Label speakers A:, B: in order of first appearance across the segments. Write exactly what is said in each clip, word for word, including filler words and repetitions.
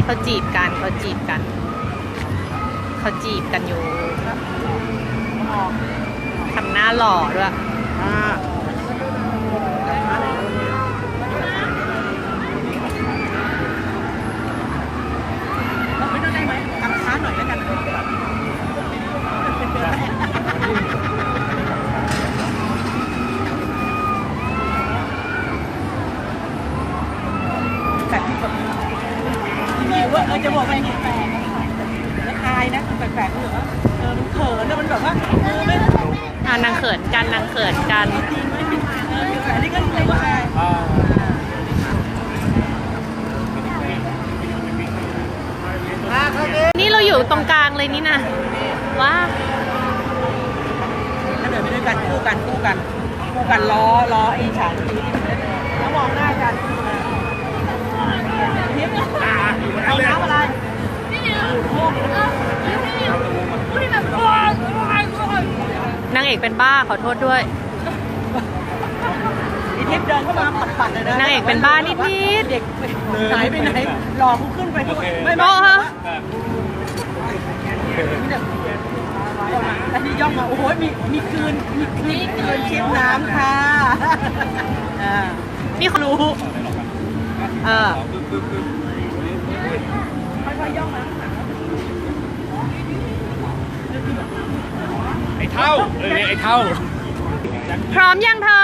A: เขาจีบกันเขาจีบกันเขาจีบกันอยู่ทำหน้าหล่อด้วย
B: ไม่ต้องได้ไหมกำช้าหน่อยแล้วกันแต่ที่แบบมีว่าเออจะบอกว่าแปลกๆแล้วอายนะแปลกๆเหรอเออมันเขินแล้วมันแบบว่าเออไม่
A: อ่านางเขินกันนางเขินกัน
B: เออแต่นี่ก็เลยว่า
A: นี่เราอยู่ตรงกลางเลยนี่นะว้า
B: ถ้าเดินไปด้วยกันคู่กันคู่กันคู่กันล้อล้อไอ้ฉากนี้แล้วมองหน้ากันเทียบกันเอาน้ำอะไร
A: นางเอกเป็นบ้าขอโทษด้วย
B: ไอ้เทียบเดินเข้ามาปัดๆเลยนะ
A: นางเอกเป็นบ้านิดนิด
B: เด็กหายไปไหนรอกูขึ้นไปด้วยไม่
A: โอ้
B: ไม่
A: ฮะ
B: อันนี้ย่องมาโอ้โหมีมีคืนมีคืนคืนชิมน้ำค่ะอ่า
A: นี่เขารู้เออ
B: ค่อยๆย่องมา
C: ไอ้เท่าเออไอ้เท่า
A: พร้อมยังเธอ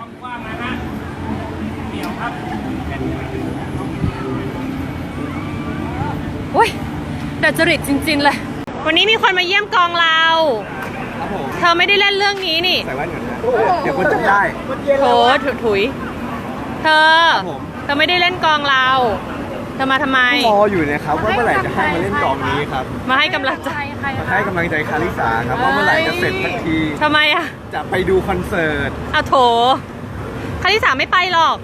A: โอ้ยดัดจริตจริงๆเลยวันนี้มีคนมาเยี่ยมกองเราเธอไม่ได้เล่นเรื่องนี้นี่
C: ใส่แว่นก่อนนะเดี๋ยวคนจำได้
A: โถถุถุยเธอเธอไม่ได้เล่นกองเราเธอมาทำไม
C: รออยู่นะครับว่าเมื่อไหร่จะให้มาเล่นกองนี้ครับ
A: มาให้กำลังใจ
C: มาให้กำลังใจคาริสาครับว่าเมื่อไหร่จะเสร็จสักที
A: ทำไมอะ
C: จะไปดูคอนเสิร์ต
A: อ่ะโถคาริสาไม่ไปหรอก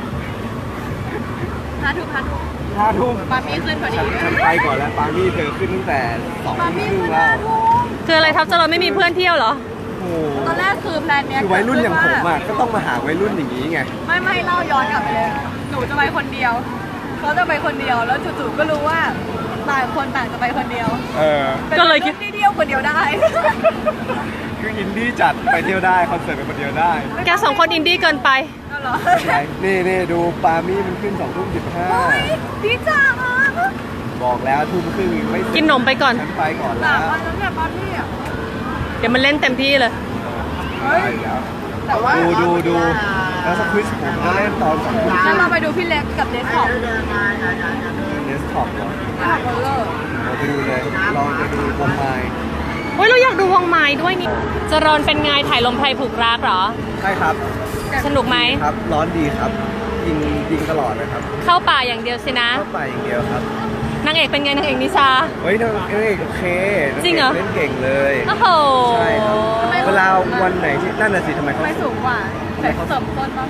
A: พาทุพาทุ
C: ห้าทุ่ม
A: ปามี่ขึ้นพอดี
C: ฉันไปก่อนแล้วปามี่เธอขึ้นตั้งแต่สองทุ่มครึ่งแล้ว
A: คืออะไรทับจะเราไม่มีเพื่อนเที่ยวเหรอ
C: โอ้
D: ตอนแรกคือแพลนเนี้ย
C: คือวัยรุ่นอย่างผมอ่ะก็ต้องมาหาวัยรุ่นอย่างนี้ไง
D: ไม่ไม่เล่าย้อนกลับไปเลย หนูจะไปคนเดียวเขาจะไปคนเดียวแล้วจู่ๆก็รู้ว่าต่างคนต่างจะไปคนเดียว
C: เออ
A: ก็เลยคิ
D: คิ
A: ด
D: ดที่เดียวคนเดียวได้
C: คืออินดี้จัดไปเที่ยวได้คอนเสิร์ตไปคนเดียวได้
A: แกสองคนอินดี้เกินไป
D: ก็เหรอ
C: นี่นี่ดูปามี่มันขึ้นสองทุ่มสิบห้า
D: ดีจังอ่ะ
C: บอกแล้วทุ่มครึ่งไม่เสร็จ
A: กินนมไปก่อน
C: ฉันไปก่อน
D: สา
C: แล้
D: ม
C: ว
D: วันแล้วเนี่ยปาร์ตี้อ่ะ
A: เดี๋ยวมันเล่นเต็มที่เลย
C: ไปแล้ว
D: แต่ว่า
C: ดูดูดูแล้วสควิชผมจะเล่นตอนสองทุ่ม
D: งั้นเราไปดูพี่เล็กกับเดสท็อป
C: เดสก์ท็อปเหรอ
D: เดสท็อปเบอร์เลอร์
C: เราไปดูเลยลองไปดูวงไม้
A: โอ้ยเราอยากดูวงไม้ด้วยนี่จรอนเป็นไงถ่ายลมไพรผูกรักเหรอ
C: ใช่ครับ
A: สนุกไหม
C: ครับร้อนดีครับยิงยิงตลอดนะครับ
A: เข้าป่าอย่างเดียวสินะ
C: เข้าไปอย่างเดียวครับ
A: นางเอกเป็นไงนางเอกนิชา
C: เฮ้ยนางเอกโอเค
A: จริงเหรอ
C: เล่นเก่งเลย
A: โอ้โห
C: ใช่ครับเวลาวันไหนที่นั่นน่ะสิทำไมเขา
D: ไม่สูงกว่าแต่เสริมต้นปะ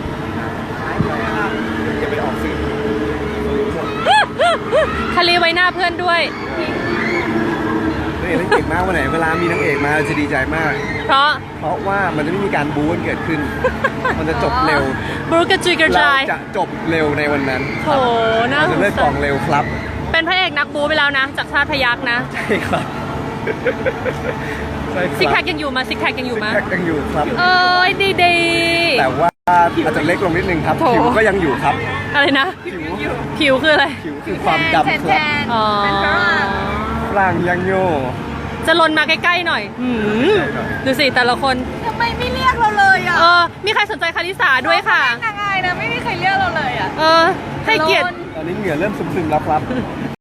C: อย่าไปออกสื่อ
A: คารีไว้หน้าเพื่อนด้วย
C: นางเอกเล่นเก่งมากวันไหนเวลามีนางเอกมาเราจะดีใจมาก
A: เพราะ
C: เพราะว่ามันจะไม่มีการบู๊กันเกิดขึ้น มันจะจบเร็ว
A: บรูกระจุยกระ
C: เรา
A: จาย
C: จะจบเร็วในวันนั้น
A: โถน่า
C: เรา
A: ส
C: จะ
A: ง
C: เลิกก
A: สา
C: อง
A: ร
C: เร็วครับ
A: เป็นพระเอกนักบูไปแล้วนะ จากชาติพยักนะ
C: ใช่ครับใช่ครับ
A: ซิกแพคยังอยู่มาซิกแพคยังอยู่มา
C: ซิกแพคยังอยู่ครับ
A: เอ้ยดีดี
C: แต่ว่าอาจจะเล็กลงนิดนึงครับ
A: โถ
C: ผิวก็ยังอยู่ครับ
A: อะไรนะ
C: ผิว
A: ผิวคืออะไร
C: ผิวคือความดำ
D: แท
C: ครับ
D: น
A: อ๋อ
D: เป็นฝรั่ง
C: ร่างยังโย
A: จะลนมาใกล้ๆหน่อยหืมดูสิแต่ละคน
D: ทำไมไม่เรียกเราเลยอ่ะ
A: เออ มีใครสนใจคาริสาด้วยค่ะ
D: นางอายนะไม่มีใครเรียกเราเลยอ่ะ
A: เออ ให้เกียรติ
C: ตอนนี้เหงื่อเริ่มซึมๆแล้วครับ